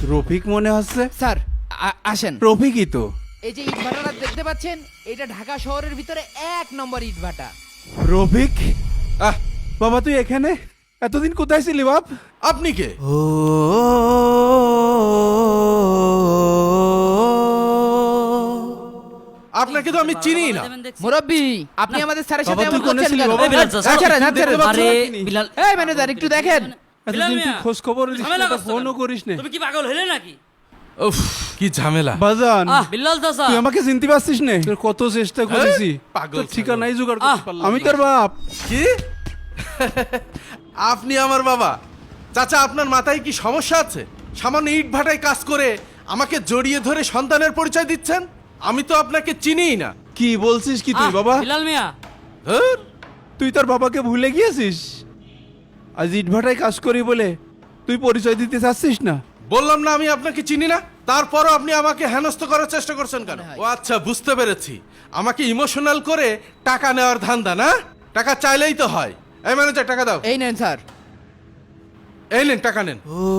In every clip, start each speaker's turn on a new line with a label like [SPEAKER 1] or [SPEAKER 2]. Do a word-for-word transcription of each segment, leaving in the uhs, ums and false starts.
[SPEAKER 1] রফিক মনে হচ্ছে।
[SPEAKER 2] স্যার আ- আসেন।
[SPEAKER 1] রফিকই তো।
[SPEAKER 2] এই যে ইট ভাটাটা দেখতে পাচ্ছেন, এটা ঢাকা শহরের ভিতরে এক নম্বর ইট ভাটা।
[SPEAKER 1] রফিক, আহ বাবা তুই এখানে এতদিন কোথায় ছিলি বাপ?
[SPEAKER 3] আপনি কে? আপনাকে তো আমি চিনি না।
[SPEAKER 2] মুরব্বি, আপনি আমাদের স্যারের সাথে
[SPEAKER 1] বাবা, তুই
[SPEAKER 2] এমন
[SPEAKER 1] কোনে
[SPEAKER 2] করছেন
[SPEAKER 1] ছিলি
[SPEAKER 2] কেন?
[SPEAKER 1] বাবা?
[SPEAKER 2] এই বিলাল,
[SPEAKER 4] চাচা,
[SPEAKER 2] ছাড়েন, ছাড়েন,
[SPEAKER 1] দেখতে
[SPEAKER 2] ছাড়েন।
[SPEAKER 1] পাচ্ছ
[SPEAKER 4] আরে
[SPEAKER 1] নাকি?
[SPEAKER 4] বিলাল,
[SPEAKER 2] এই ম্যানেজার একটু দেখেন।
[SPEAKER 1] এতদিন তুই খোঁজ খবর
[SPEAKER 4] ঝামেলা করছো
[SPEAKER 1] ফোনও
[SPEAKER 4] কেন?
[SPEAKER 1] করিস না।
[SPEAKER 4] তুমি কি পাগল হলে নাকি?
[SPEAKER 3] উফ, কি ঝামেলা।
[SPEAKER 1] বাজান,
[SPEAKER 4] আহ বিল্লাল চাচা,
[SPEAKER 1] তুই আমাকে চিনতে পারছিস না? তোর কত চেষ্টা করেছি,
[SPEAKER 3] পাগল
[SPEAKER 1] তোর
[SPEAKER 3] ছাগল।
[SPEAKER 1] ঠিকানাই জোগাড় করতে
[SPEAKER 4] আহ,
[SPEAKER 1] পারলাম না। আমি তোর বাপ।
[SPEAKER 3] কি? আপনি আমার বাবা? চাচা, আপনার মাথায় কি সমস্যা আছে? সামান্য ইট ভাটায় কাজ করে আমাকে জড়িয়ে ধরে সন্তানের পরিচয় দিচ্ছেন? আমি তো আপনাকে চিনিই না।
[SPEAKER 1] কি বলছিস কি তুই
[SPEAKER 4] আহ,
[SPEAKER 1] বাবা?
[SPEAKER 4] বিলাল মিয়া,
[SPEAKER 3] ধুর,
[SPEAKER 1] তুই তোর বাবাকে ভুলে গিয়েছিস? আজ ইটভাটায় কাজ করি বলে তুই পরিচয় দিতে চাচ্ছিস না?
[SPEAKER 3] বললাম না আমি আপনাকে চিনি না। তারপরও আপনি আমাকে হেনস্থ করার চেষ্টা করছেন কেন? ও আচ্ছা, বুঝতে পেরেছি। আমাকে ইমোশনাল করে টাকা নেওয়ার ধান্দা না? টাকা চাইলেই তো হয়। এই ম্যানেজার, টাকা দাও।
[SPEAKER 2] এই নেন স্যার।
[SPEAKER 3] এই নেন, টাকা নেন।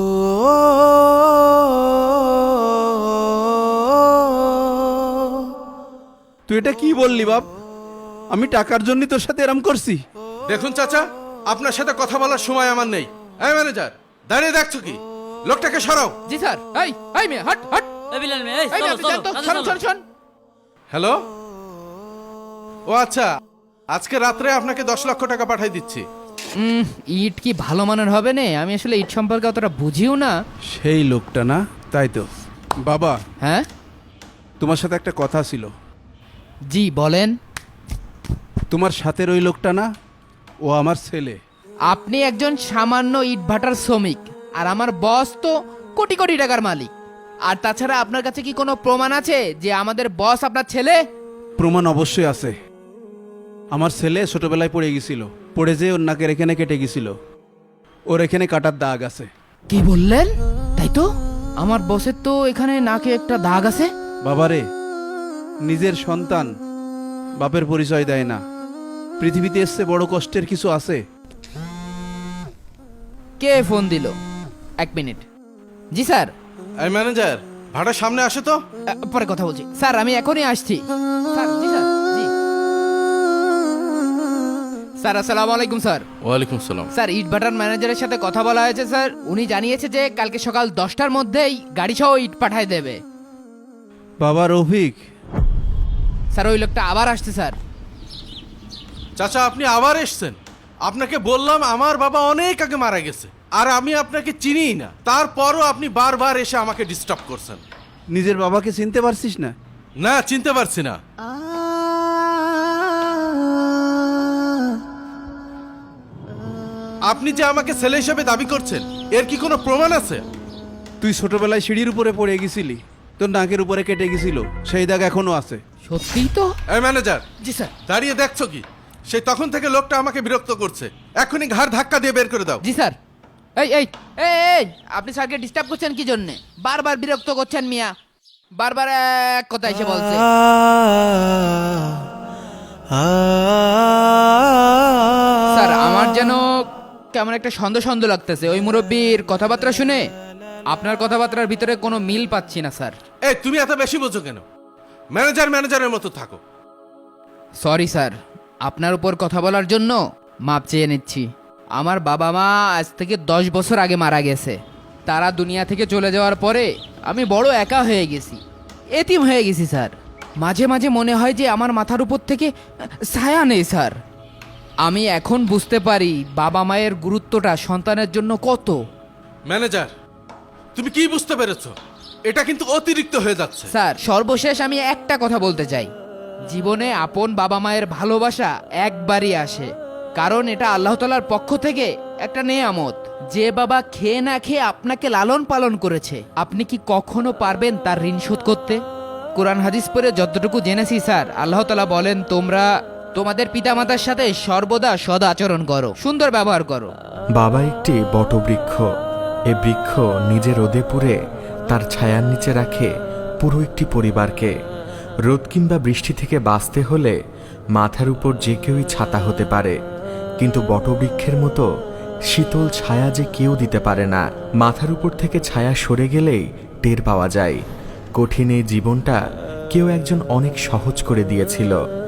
[SPEAKER 1] তুই এটা কি বললি বাপ? আমি টাকার জন্য তোর সাথে এরম করছি?
[SPEAKER 3] দেখুন চাচা, আপনার সাথে কথা বলার সময় আমার নেই। এই ম্যানেজার, দাঁড়িয়ে দেখছো কি? লোকটাকে সরাও।
[SPEAKER 2] জি স্যার। এই এই মেয়ে, হট হট।
[SPEAKER 4] এই বিলাল মিয়া, এই
[SPEAKER 2] এই মেয়ে,
[SPEAKER 4] চলো
[SPEAKER 2] আপনি
[SPEAKER 4] চলো,
[SPEAKER 2] যান তো,
[SPEAKER 4] কাজে
[SPEAKER 2] শোন
[SPEAKER 4] চলো।
[SPEAKER 2] শোন শোন।
[SPEAKER 3] হ্যালো। ও আচ্ছা, আজকে রাত্রে আপনাকে দশ লক্ষ টাকা পাঠিয়ে দিচ্ছি।
[SPEAKER 2] উম, ইট কি ভালো মানের হবে না? আমি আসলে ইট সম্পর্কে অতটা বুঝিও না।
[SPEAKER 1] সেই লোকটা না? তাই তো বাবা,
[SPEAKER 2] হ্যাঁ
[SPEAKER 1] তোমার সাথে একটা কথা ছিল।
[SPEAKER 2] জি বলেন।
[SPEAKER 1] তোমার সাথে ওই লোকটা না, ও আমার ছেলে।
[SPEAKER 2] আপনি একজন সামান্য ইট ভাটার শ্রমিক, আর আমার বস তো কোটি কোটি টাকার মালিক। আর তাছাড়া আপনার কাছে কি কোনো প্রমাণ আছে যে আমাদের বস আপনার ছেলে?
[SPEAKER 1] প্রমাণ অবশ্যই আছে। আমার ছেলে ছোটবেলায় পড়ে গেছিল, পড়ে যেয়ে ওর নাকের এখানে কেটে গেছিল। ওর এখানে কাটার দাগ আছে।
[SPEAKER 2] কি বললেন? তাই তো, আমার বসের তো এখানে নাকে একটা দাগ আছে।
[SPEAKER 1] বাবারে, নিজের সন্তান বাপের পরিচয় দেয় না। পৃথিবীতে এসছে বড় কষ্টের কিছু আছে?
[SPEAKER 2] কে ফোন দিল? এক মিনিট। জি স্যার।
[SPEAKER 3] এই ম্যানেজার, ভাড়ার সামনে আসে তো।
[SPEAKER 2] আ, পরে কথা বলছি স্যার, আমি এখনই আসছি। স্যার, জি স্যার, জি স্যার। আসসালামু আলাইকুম স্যার।
[SPEAKER 3] ওয়ালাইকুম সালাম।
[SPEAKER 2] স্যার, ইট ভাটার ম্যানেজারের সাথে কথা বলা হয়েছে স্যার। উনি জানিয়েছে যে কালকে সকাল দশটার মধ্যেই গাড়ি সহ ইট পাঠায় দেবে।
[SPEAKER 1] বাবা রফিক,
[SPEAKER 2] স্যার, ওই লোকটা আবার আসছে স্যার।
[SPEAKER 3] চাচা, আপনি আবার এসছেন? আপনাকে বললাম আমার বাবা অনেক আগে মারা গেছে, আর আমি আপনাকে চিনিই না। তারপরও আপনি বারবার এসে আমাকে ডিস্টার্ব করছেন।
[SPEAKER 1] নিজের বাবাকে চিনতে পারছিস না?
[SPEAKER 3] না, চিনতে পারছি না। আপনি যে আমাকে ছেলে হিসেবে দাবি করছেন, এর কি কোনো প্রমাণ আছে?
[SPEAKER 1] তুই ছোটবেলায় সিঁড়ির উপরে পড়ে গেছিলি, তোর নাকের উপরে কেটে গেছিল, সেই দাগ এখনো আছে।
[SPEAKER 2] সত্যিই তো?
[SPEAKER 3] এই ম্যানেজার,
[SPEAKER 2] জি স্যার।
[SPEAKER 3] দাঁড়িয়ে দেখছো কি? সেই তখন থেকে লোকটা আমাকে বিরক্ত করছে। এখনই ঘাড় ধাক্কা দিয়ে বের করে দাও।
[SPEAKER 2] জি স্যার। এই এই এই এই, আপনি স্যারকে ডিস্টার্ব করছেন কি জন্যে? বারবার বিরক্ত করছেন মিয়া। বারবার এক কথা এসে বলছে। স্যার, আমার যেন কেমন একটা সন্দেহ সন্দেহ লাগতেছে ওই মুরব্বীর কথাবার্তা শুনে। আপনার কথাবার্তার ভিতরে কোনো মিল পাচ্ছি না স্যার।
[SPEAKER 3] এই, তুমি এত বেশি বোঝো কেন? ম্যানেজার ম্যানেজারের মতো থাকো।
[SPEAKER 2] সরি স্যার, আপনার উপর কথা বলার জন্য মাপ চেয়ে নিচ্ছি। আমার বাবা মা আজ থেকে দশ বছর আগে মারা গেছে। তারা দুনিয়া থেকে চলে যাওয়ার পরে আমি বড় একা হয়ে গেছি, এতিম হয়ে গেছি স্যার। মাঝে মাঝে মনে হয় যে আমার মাথার উপর থেকে ছায়া নেই স্যার। আমি এখন বুঝতে পারি বাবা মায়ের গুরুত্বটা সন্তানের জন্য কত।
[SPEAKER 3] ম্যানেজার, তুমি কি বুঝতে পেরেছো? এটা কিন্তু অতিরিক্ত হয়ে যাচ্ছে।
[SPEAKER 2] স্যার, সর্বশেষ আমি একটা কথা বলতে চাই। জীবনে আপন বাবা মায়ের ভালোবাসা একবারই আসে, কারণ এটা আল্লাহ তাআলার পক্ষ থেকে একটা নেয়ামত। যে বাবা খেয়ে না খেয়ে আপনাকে লালন পালন করেছে, আপনি কি কখনো পারবেন তার ঋণ শোধ করতে? কোরআন হাদিস পড়ে যতটুকু জেনেছি স্যার, আল্লাহ তাআলা বলেন, তোমরা তোমাদের পিতামাতার সাথে সর্বদা সদ আচরণ করো, সুন্দর ব্যবহার করো।
[SPEAKER 5] বাবা একটি বটবৃক্ষ। এ বৃক্ষ নিজে রোদে পুড়ে তার ছায়ার নিচে রাখে পুরো একটি পরিবারকে। রোদ কিংবা বৃষ্টি থেকে বাঁচতে হলে মাথার উপর যে কেউই ছাতা হতে পারে, কিন্তু বটবৃক্ষের মতো শীতল ছায়া যে কেউ দিতে পারে না। মাথার উপর থেকে ছায়া সরে গেলেই টের পাওয়া যায় কঠিন এই জীবনটা কেউ একজন অনেক সহজ করে দিয়েছিল।